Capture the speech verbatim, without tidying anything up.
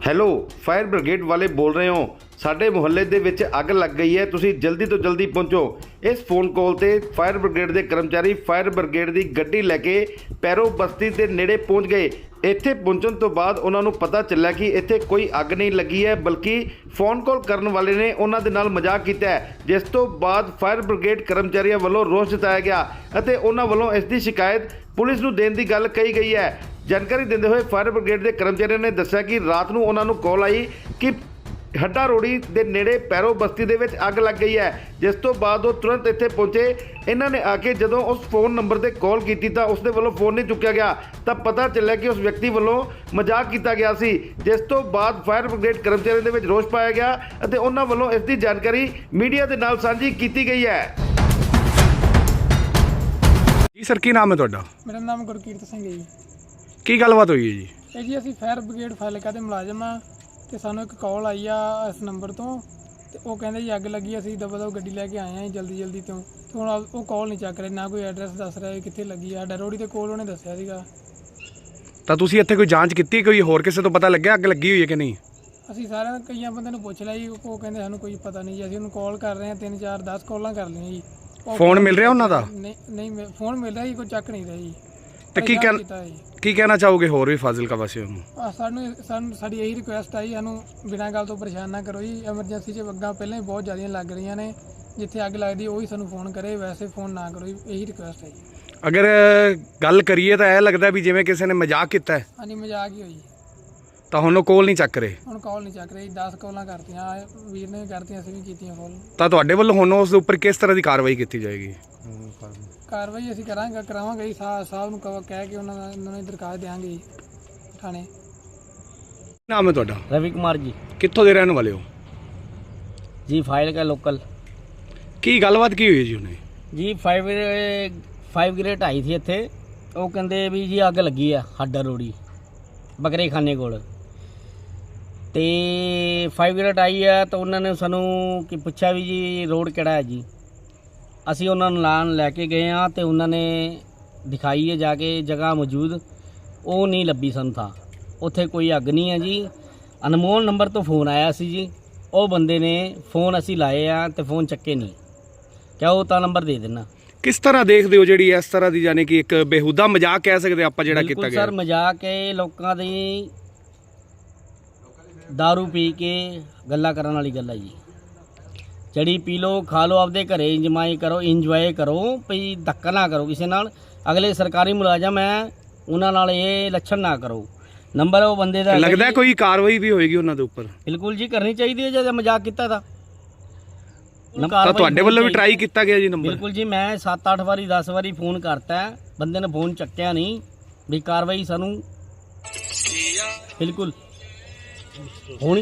Hello fire brigade ਵਾਲੇ ਬੋਲ ਰਹੇ ਹੋ। ਸਾਡੇ ਮੁਹੱਲੇ ਦੇ ਵਿੱਚ ਅੱਗ ਲੱਗ ਗਈ ਹੈ, ਤੁਸੀਂ ਜਲਦੀ ਤੋਂ ਜਲਦੀ ਪਹੁੰਚੋ। ਇਸ ਫੋਨ ਕਾਲ ਤੇ ਫਾਇਰ ਬ੍ਰਿਗੇਡ ਦੇ ਕਰਮਚਾਰੀ ਫਾਇਰ ਬ੍ਰਿਗੇਡ ਦੀ ਗੱਡੀ ਲੈ ਕੇ ਪੈਰੋ ਬਸਤੀ ਦੇ ਨੇੜੇ ਪਹੁੰਚ ਗਏ। ਇੱਥੇ ਪਹੁੰਚਣ ਤੋਂ ਬਾਅਦ ਉਹਨਾਂ ਨੂੰ ਪਤਾ ਚੱਲਿਆ ਕਿ ਇੱਥੇ ਕੋਈ ਅੱਗ ਨਹੀਂ ਲੱਗੀ ਹੈ, ਬਲਕਿ ਫੋਨ ਕਾਲ ਕਰਨ ਵਾਲੇ ਨੇ ਉਹਨਾਂ ਦੇ ਨਾਲ ਮਜ਼ਾਕ ਕੀਤਾ ਹੈ। ਜਿਸ ਤੋਂ ਬਾਅਦ ਫਾਇਰ ਬ੍ਰਿਗੇਡ ਕਰਮਚਾਰੀਆਂ ਵੱਲੋਂ ਰੋਸ ਜਤਾਇਆ ਗਿਆ ਅਤੇ ਉਹਨਾਂ ਵੱਲੋਂ ਇਸ ਦੀ ਸ਼ਿਕਾਇਤ ਪੁਲਿਸ ਨੂੰ ਦੇਣ ਦੀ ਗੱਲ ਕਹੀ ਗਈ ਹੈ। ਜਾਣਕਾਰੀ ਦਿੰਦੇ ਹੋਏ ਫਾਇਰ ਬ੍ਰਿਗੇਡ ਦੇ ਕਰਮਚਾਰੀਆਂ ਨੇ ਦੱਸਿਆ ਕਿ ਰਾਤ ਨੂੰ ਉਹਨਾਂ ਨੂੰ ਕਾਲ ਆਈ ਕਿ ਹੱਡਾ ਰੋੜੀ ਦੇ ਨੇੜੇ ਪੈਰੋ ਬਸਤੀ ਦੇ ਵਿੱਚ ਅੱਗ ਲੱਗ ਗਈ ਹੈ। ਜਿਸ ਤੋਂ ਬਾਅਦ ਉਹ ਤੁਰੰਤ ਇੱਥੇ ਪਹੁੰਚੇ। ਇਹਨਾਂ ਨੇ ਆ ਕੇ ਜਦੋਂ ਉਸ ਫੋਨ ਨੰਬਰ ਤੇ ਕਾਲ ਕੀਤੀ ਤਾਂ ਉਸ ਦੇ ਵੱਲੋਂ ਫੋਨ ਨਹੀਂ ਚੁੱਕਿਆ ਗਿਆ ਤਾਂ ਪਤਾ ਚੱਲਿਆ ਕਿ ਉਸ ਵਿਅਕਤੀ ਵੱਲੋਂ ਮਜ਼ਾਕ ਕੀਤਾ ਗਿਆ ਸੀ। ਜਿਸ ਤੋਂ ਬਾਅਦ ਫਾਇਰ ਬ੍ਰਿਗੇਡ ਕਰਮਚਾਰੀਆਂ ਦੇ ਵਿੱਚ ਰੋਸ ਪਾਇਆ ਗਿਆ ਅਤੇ ਉਹਨਾਂ ਵੱਲੋਂ ਇਸ ਦੀ ਜਾਣਕਾਰੀ ਮੀਡੀਆ ਦੇ ਨਾਲ ਸਾਂਝੀ ਕੀਤੀ ਗਈ ਹੈ। ਜੀ ਸਰ, ਕੀ ਨਾਮ ਹੈ ਤੁਹਾਡਾ? ਮੇਰਾ ਨਾਮ ਗੁਰਕੀਰਤ ਸਿੰਘ ਹੈ ਜੀ। ਕੀ ਗੱਲਬਾਤ ਹੋਈ ਹੈ ਜੀ? ਇਹ ਜੀ ਅਸੀਂ ਫਾਇਰ ਬ੍ਰਿਗੇਡ ਫਾਜ਼ਿਲਕਾ ਦੇ ਮੁਲਾਜ਼ਮ ਆ ਤੇ ਸਾਨੂੰ ਇੱਕ ਕਾਲ ਆਈ ਆ ਇਸ ਨੰਬਰ ਤੋਂ ਤੇ ਉਹ ਕਹਿੰਦੇ ਜੀ ਅੱਗ ਲੱਗੀ। ਅਸੀਂ ਦਬਾ ਦਬ ਗੱਡੀ ਲੈ ਕੇ ਆਏ ਹਾਂ ਜਲਦੀ ਜਲਦੀ ਤੋਂ ਤੇ ਹੁਣ ਉਹ ਕਾਲ ਨਹੀਂ ਚੱਕ ਰਹੇ, ਨਾ ਕੋਈ ਐਡਰੈਸ ਦੱਸ ਰਿਹਾ ਕਿੱਥੇ ਲੱਗੀ ਆ। ਸਾਡਾ ਰੋੜੀ ਦੇ ਕੋਲ ਉਹਨੇ ਦੱਸਿਆ ਸੀਗਾ। ਤਾਂ ਤੁਸੀਂ ਇੱਥੇ ਕੋਈ ਜਾਂਚ ਕੀਤੀ? ਕੋਈ ਹੋਰ ਕਿਸੇ ਤੋਂ ਪਤਾ ਲੱਗਿਆ ਅੱਗ ਲੱਗੀ ਹੋਈ ਹੈ ਕਿ ਨਹੀਂ? ਅਸੀਂ ਸਾਰਿਆਂ ਕਈਆਂ ਬੰਦਿਆਂ ਨੂੰ ਪੁੱਛ ਲਿਆ ਜੀ, ਉਹ ਕਹਿੰਦੇ ਸਾਨੂੰ ਕੋਈ ਪਤਾ ਨਹੀਂ ਜੀ। ਅਸੀਂ ਉਹਨੂੰ ਕਾਲ ਕਰ ਰਹੇ ਹਾਂ, ਤਿੰਨ ਚਾਰ ਦਸ ਕਾਲਾਂ ਕਰ ਲਈਆਂ ਜੀ। ਫੋਨ ਮਿਲ ਰਿਹਾ ਉਹਨਾਂ ਦਾ? ਨਹੀਂ ਨਹੀਂ ਫੋਨ ਮਿਲ ਰਿਹਾ ਜੀ, ਕੋਈ ਚੱਕ ਨਹੀਂ ਰਿਹਾ ਜੀ। ਤੇ ਕੀ ਕਹਿ ਕੀ ਕਹਿਣਾ ਚਾਹੋਗੇ ਹੋਰ ਵੀ ਫਾਜ਼ਿਲਕਾ ਵਾਸੀਆਂ ਨੂੰ? ਸਾਨੂੰ ਸਾਨੂੰ ਸਾਡੀ ਇਹੀ ਰਿਕੁਐਸਟ ਆਈ, ਸਾਨੂੰ ਬਿਨਾਂ ਗੱਲ ਤੋਂ ਪਰੇਸ਼ਾਨ ਨਾ ਕਰੋ ਜੀ। ਐਮਰਜੈਂਸੀ 'ਚ ਅੱਗਾਂ ਪਹਿਲਾਂ ਹੀ ਬਹੁਤ ਜ਼ਿਆਦੀਆਂ ਲੱਗ ਰਹੀਆਂ ਨੇ, ਜਿੱਥੇ ਅੱਗ ਲੱਗਦੀ ਉਹੀ ਸਾਨੂੰ ਫੋਨ ਕਰੇ, ਵੈਸੇ ਫੋਨ ਨਾ ਕਰੋ ਜੀ। ਇਹੀ ਰਿਕੁਐਸਟ ਹੈ ਜੀ। ਅਗਰ ਗੱਲ ਕਰੀਏ ਤਾਂ ਇਹ ਲੱਗਦਾ ਵੀ ਜਿਵੇਂ ਕਿਸੇ ਨੇ ਮਜ਼ਾਕ ਕੀਤਾ ਹੈ। ਹਾਂਜੀ ਮਜ਼ਾਕ ਹੀ ਹੋਈ। ਤਾਂ ਹੁਣ ਉਹ ਕਾਲ ਨਹੀਂ ਚੱਕ ਰਹੇ? ਹੁਣ ਕਾਲ ਨਹੀਂ ਚੱਕ ਰਹੀ। ਦਸ ਕਾਲਾਂ ਕਰਤੀਆਂ, ਵੀਰ ਨੇ ਵੀ ਕਰਤੀਆਂ, ਅਸੀਂ ਵੀ ਕੀਤੀਆਂ ਕਾਲ। ਤਾਂ ਤੁਹਾਡੇ ਵੱਲੋਂ ਹੁਣ ਉਸ ਦੇ ਉੱਪਰ ਕਿਸ ਤਰ੍ਹਾਂ ਦੀ ਕਾਰਵਾਈ ਕੀਤੀ ਜਾਏਗੀ? ਕਾਰਵਾਈ ਅਸੀਂ ਕਰਾਂਗੇ ਕਰਾਵਾਂਗੇ ਜੀ। ਸਾਹਿਬ ਨੂੰ ਕਹਿ ਕੇ ਉਹਨਾਂ ਦਾ ਉਹਨਾਂ ਨੂੰ ਦਰਖਾਸਤ ਦੇਵਾਂਗੇ ਜੀ ਥਾਣੇ। ਕੀ ਨਾਮ ਹੈ ਤੁਹਾਡਾ? रवि कुमार जी। ਕਿੱਥੋਂ ਦੇ ਰਹਿਣ ਵਾਲੇ ਹੋ जी फाइल का लोकल ਕੀ ਗੱਲਬਾਤ ਕੀ ਹੋਈ ਹੈ ਜੀ ਉਹਨੇ? जी फाइव फाइव ग्रेड आई थी इत्थे। ਉਹ ਕਹਿੰਦੇ ਵੀ ਜੀ ਅੱਗ ਲੱਗੀ ਆ ਹੱਡਾ ਰੋੜੀ ਬੱਕਰੇ ਖਾਨੇ ਕੋਲ ਤੇ फाइव ग्रेड ਆਈ ਆ ਤਾਂ ਉਹਨਾਂ ਨੇ ਸਾਨੂੰ ਕੀ ਪੁੱਛਿਆ ਵੀ ਜੀ ਰੋਡ ਕਿਹੜਾ ਹੈ ਜੀ। ਅਸੀਂ ਉਹਨਾਂ ਨੂੰ ਲਾਣ ਲੈ ਕੇ ਗਏ ਆ ਤੇ ਉਹਨਾਂ ਨੇ ਦਿਖਾਈ ਹੈ ਜਾ ਕੇ ਜਗ੍ਹਾ ਮੌਜੂਦ, ਉਹ ਨਹੀਂ ਲੱਭੀ ਸਾਨੂੰ ਥਾਂ। ਉੱਥੇ ਕੋਈ ਅੱਗ ਨਹੀਂ ਹੈ ਜੀ। ਅਨਮੋਲ ਨੰਬਰ ਤੋਂ ਫੋਨ ਆਇਆ ਸੀ ਜੀ, ਉਹ ਬੰਦੇ ਨੇ ਫੋਨ ਅਸੀਂ ਲਾਏ ਆ ਤੇ ਫੋਨ ਚੱਕੇ ਨਹੀਂ। ਕਿਹਾ ਉਹ ਤਾਂ ਨੰਬਰ ਦੇ ਦੇਣਾ। ਕਿਸ ਤਰ੍ਹਾਂ ਦੇਖਦੇ ਹੋ ਜਿਹੜੀ ਇਸ ਤਰ੍ਹਾਂ ਦੀ ਜਾਨੀ ਕਿ ਇੱਕ ਬੇਹੂਦਾ ਮਜ਼ਾਕ ਕਹਿ ਸਕਦੇ ਆਪਾਂ ਜਿਹੜਾ ਕੀਤਾ ਗਿਆ? ਸਰ ਮਜ਼ਾਕ ਹੈ, ਲੋਕਾਂ ਦੀ दारू ਪੀ ਕੇ ਗੱਲਾਂ ਕਰਨ ਵਾਲੀ ਗੱਲ ਹੈ ਜੀ। ਜਿਹੜੀ ਪੀ ਲਓ ਖਾ ਲਓ, ਆਪਦੇ ਘਰੇ ਇੰਜਮਾਈ ਕਰੋ, ਇੰਜੋਏ ਕਰੋ, ਭਈ ਧੱਕਾ ਨਾ ਕਰੋ ਕਿਸੇ ਨਾਲ। ਅਗਲੇ ਸਰਕਾਰੀ ਮੁਲਾਜ਼ਮ ਹੈ, ਉਹਨਾਂ ਨਾਲ ਇਹ ਲੱਛਣ ਨਾ ਕਰੋ। ਨੰਬਰ ਉਹ ਬੰਦੇ ਦਾ ਲੱਗਦਾ ਕੋਈ ਕਾਰਵਾਈ ਵੀ ਹੋਏਗੀ ਉਹਨਾਂ ਦੇ ਉੱਪਰ? ਬਿਲਕੁਲ ਜੀ ਕਰਨੀ ਚਾਹੀਦੀ ਹੈ। ਜੇ ਮਜ਼ਾਕ ਕੀਤਾ ਤਾਂ ਤਾਂ ਤੁਹਾਡੇ ਵੱਲੋਂ ਵੀ ਟਰਾਈ ਕੀਤਾ ਗਿਆ ਜੀ ਨੰਬਰ? ਬਿਲਕੁਲ ਜੀ, ਮੈਂ ਸੱਤ ਅੱਠ ਵਾਰੀ ਦਸ ਵਾਰੀ ਫੋਨ ਕਰਤਾ, ਬੰਦੇ ਨੇ ਫੋਨ ਚੱਕਿਆ ਨਹੀਂ। ਵੀ ਕਾਰਵਾਈ ਸਾਨੂੰ ਬਿਲਕੁਲ ਹੋਣੀ